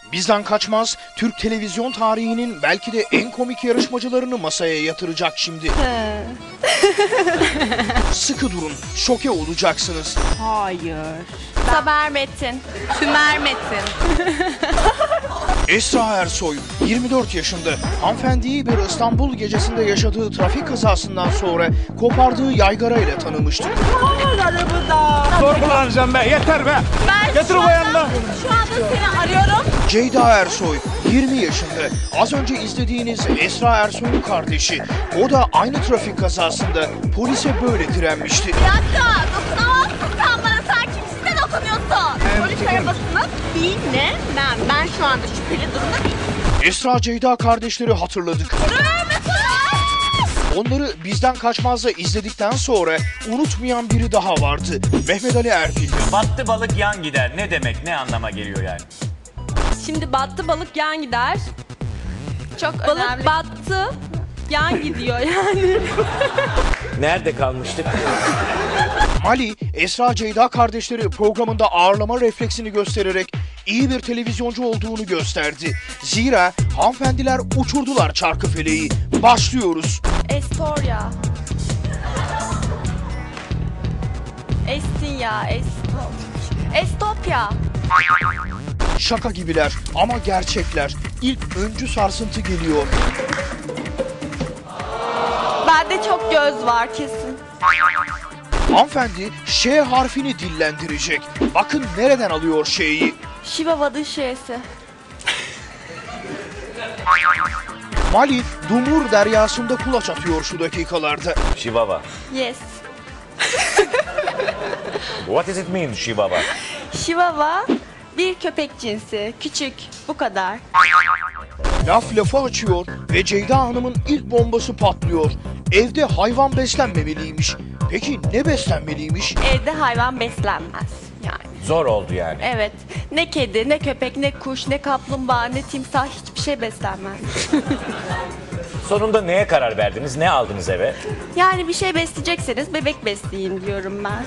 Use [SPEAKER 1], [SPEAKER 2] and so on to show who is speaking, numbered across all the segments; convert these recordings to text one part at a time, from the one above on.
[SPEAKER 1] Bizden kaçmaz, Türk televizyon tarihinin belki de en komik yarışmacılarını masaya yatıracak şimdi. Sıkı durun, şoke olacaksınız.
[SPEAKER 2] Hayır.
[SPEAKER 3] Saber Metin.
[SPEAKER 2] Sümer Metin.
[SPEAKER 1] Esra Ersoy, 24 yaşında, hanımefendiyi bir İstanbul gecesinde yaşadığı trafik kazasından sonra kopardığı yaygara ile tanımıştık.
[SPEAKER 4] Zor kullanacağım be, yeter be. Getir o yanına.
[SPEAKER 3] Şu anda seni arıyorum.
[SPEAKER 1] Ceyda Ersoy, 20 yaşında, az önce izlediğiniz Esra Ersoy'un kardeşi. O da aynı trafik kazasında polise böyle direnmişti.
[SPEAKER 3] Bir dakika, dokunamazsın sen bana. Sen kimsin de dokunuyorsun? Polis arabasını binemem. Ben şu anda şüpheli durumda değilim.
[SPEAKER 1] Esra Ceyda kardeşleri hatırladık. Onları Bizden Kaçmaz'da izledikten sonra unutmayan biri daha vardı. Mehmet Ali Erbil.
[SPEAKER 5] Battı balık yan gider. Ne demek? Ne anlama geliyor yani?
[SPEAKER 2] Şimdi battı balık yan gider.
[SPEAKER 3] Çok
[SPEAKER 2] Balık
[SPEAKER 3] önemli.
[SPEAKER 2] battı yan gidiyor yani.
[SPEAKER 5] Nerede kalmıştık?
[SPEAKER 1] Mali, Esra Ceyda kardeşleri programında ağırlama refleksini göstererek iyi bir televizyoncu olduğunu gösterdi. Zira hanımefendiler uçurdular çarkıfeleği. Başlıyoruz.
[SPEAKER 2] Estoria. Estia, Estopya.
[SPEAKER 1] Şaka gibiler ama gerçekler. İlk öncü sarsıntı geliyor.
[SPEAKER 2] Bende çok göz var kesin.
[SPEAKER 1] Hanımefendi Ş harfini dillendirecek. Bakın nereden alıyor Ş'yi.
[SPEAKER 2] Şivava'nın şeysi.
[SPEAKER 1] Mali, Dumur deryasında kulaç atıyor şu dakikalarda.
[SPEAKER 5] Şivava.
[SPEAKER 2] Yes.
[SPEAKER 5] What does it mean Şivava?
[SPEAKER 2] Şivava bir köpek cinsi. Küçük. Bu kadar.
[SPEAKER 1] Laf lafı açıyor ve Ceyda Hanım'ın ilk bombası patlıyor. Evde hayvan beslenmemeliymiş. Peki ne beslenmeliymiş?
[SPEAKER 2] Evde hayvan beslenmez. Yani.
[SPEAKER 5] Zor oldu yani.
[SPEAKER 2] Evet. Ne kedi, ne köpek, ne kuş, ne kaplumbağa, ne timsah hiçbir şey beslenmez.
[SPEAKER 5] Sonunda neye karar verdiniz? Ne aldınız eve?
[SPEAKER 2] Yani bir şey besleyecekseniz bebek besleyin diyorum ben.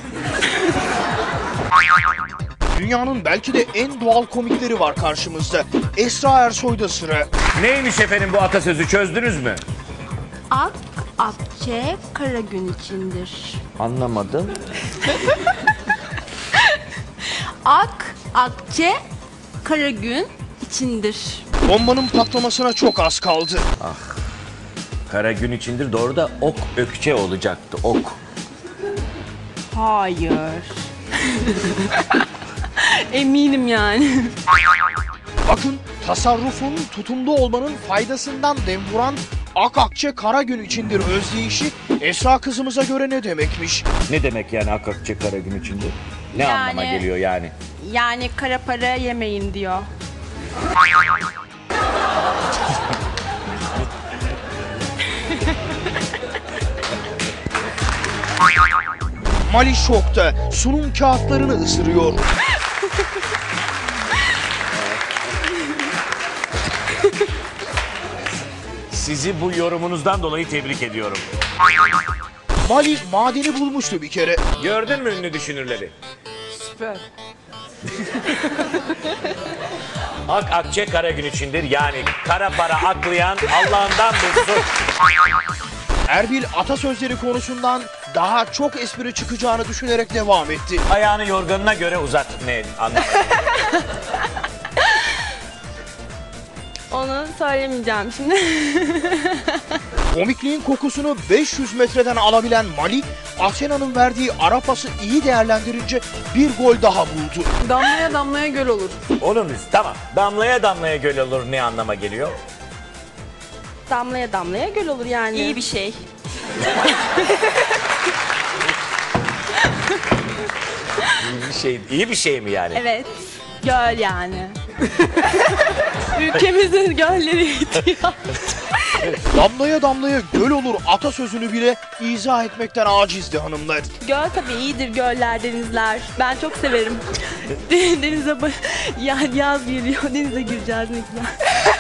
[SPEAKER 1] Dünyanın belki de en doğal komikleri var karşımızda. Esra Ersoy'da sıra.
[SPEAKER 5] Neymiş efendim bu atasözü, çözdünüz mü?
[SPEAKER 2] Ak, akçe, kara gün içindir.
[SPEAKER 5] Anlamadım.
[SPEAKER 2] Ak, akçe, kara gün içindir.
[SPEAKER 1] Bombanın patlamasına çok az kaldı.
[SPEAKER 5] Kara gün içindir, doğru da ok ökçe olacaktı, ok.
[SPEAKER 2] Hayır. Eminim yani.
[SPEAKER 1] Bakın tasarrufun, tutumlu olmanın faydasından dem vuran ak akçe kara gün içindir özdeyişi Esra kızımıza göre ne demekmiş?
[SPEAKER 5] Ne demek yani ak ökçe kara gün içindir? Ne
[SPEAKER 2] Yani-
[SPEAKER 5] anlama geliyor yani?
[SPEAKER 2] Yani kara para yemeyin diyor.
[SPEAKER 1] Mali şokta, sunum kağıtlarını ısırıyor.
[SPEAKER 5] Sizi bu yorumunuzdan dolayı tebrik ediyorum.
[SPEAKER 1] Mali madeni bulmuştu bir kere.
[SPEAKER 5] Gördün mü ünlü düşünürleri?
[SPEAKER 2] Süper.
[SPEAKER 5] Ak akçe kara gün içindir, yani kara para aklayan Allah'ından bulsun.
[SPEAKER 1] Erbil atasözleri konusundan daha çok espri çıkacağını düşünerek devam etti.
[SPEAKER 5] Ayağını yorganına göre uzat. Ne anlamadım.
[SPEAKER 2] Onu söylemeyeceğim şimdi.
[SPEAKER 1] Komikliğin kokusunu 500 metreden alabilen Mali, Asena'nın verdiği ara pası iyi değerlendirince bir gol daha buldu.
[SPEAKER 6] Damlaya damlaya göl olur.
[SPEAKER 5] Olur mu? Tamam. Damlaya damlaya göl olur, ne anlama geliyor?
[SPEAKER 2] Damlaya damlaya göl olur yani. İyi bir şey.
[SPEAKER 5] İyi bir şey mi yani?
[SPEAKER 2] Evet. Göl yani. Ülkemizin gölleri ihtiyaç.
[SPEAKER 1] Damlaya damlaya göl olur atasözünü bile izah etmekten acizdi hanımlar.
[SPEAKER 2] Göl tabii iyidir, göller, denizler. Ben çok severim. Denize yaz geliyor, denize gireceğiz ne güzel.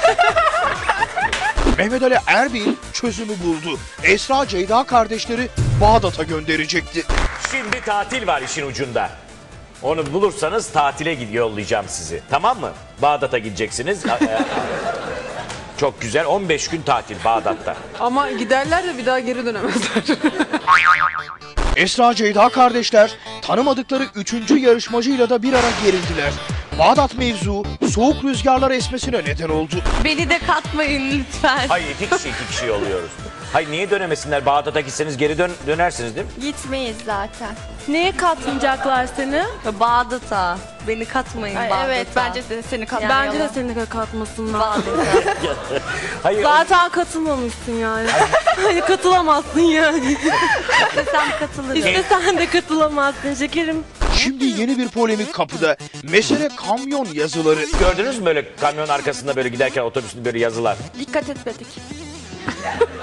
[SPEAKER 1] Mehmet Ali Erbil çözümü buldu. Esra Ceyda kardeşleri Bağdat'a gönderecekti.
[SPEAKER 5] Şimdi tatil var işin ucunda. Onu bulursanız tatile yollayacağım sizi. Tamam mı? Bağdat'a gideceksiniz. Çok güzel. 15 gün tatil Bağdat'ta.
[SPEAKER 6] Ama giderler de bir daha geri dönemezler.
[SPEAKER 1] Esra Ceyda kardeşler tanımadıkları 3. yarışmacıyla da bir ara gerildiler. Bağdat mevzu soğuk rüzgarlar esmesine neden oldu.
[SPEAKER 2] Beni de katmayın lütfen.
[SPEAKER 5] Hayır iki kişi yolluyoruz. Hayır niye dönemesinler? Bağdat'a gitseniz geri dönersiniz değil mi?
[SPEAKER 3] Gitmeyiz zaten.
[SPEAKER 2] Neye katmayacaklar seni?
[SPEAKER 3] Bağdat'a. Beni katmayın Bağdat'a.
[SPEAKER 2] Evet bence de seni katmayalım. Bence de seni katmasınlar.
[SPEAKER 5] Hayır.
[SPEAKER 2] Zaten katılmamışsın yani. Hani katılamazsın yani.
[SPEAKER 3] Sen katılırım.
[SPEAKER 2] İstesen de katılamazsın şekerim.
[SPEAKER 1] Şimdi yeni bir polemik kapıda. Mesele kamyon yazıları.
[SPEAKER 5] Gördünüz mü böyle kamyon arkasında böyle giderken otobüsün böyle yazılar?
[SPEAKER 2] Dikkat etmedik.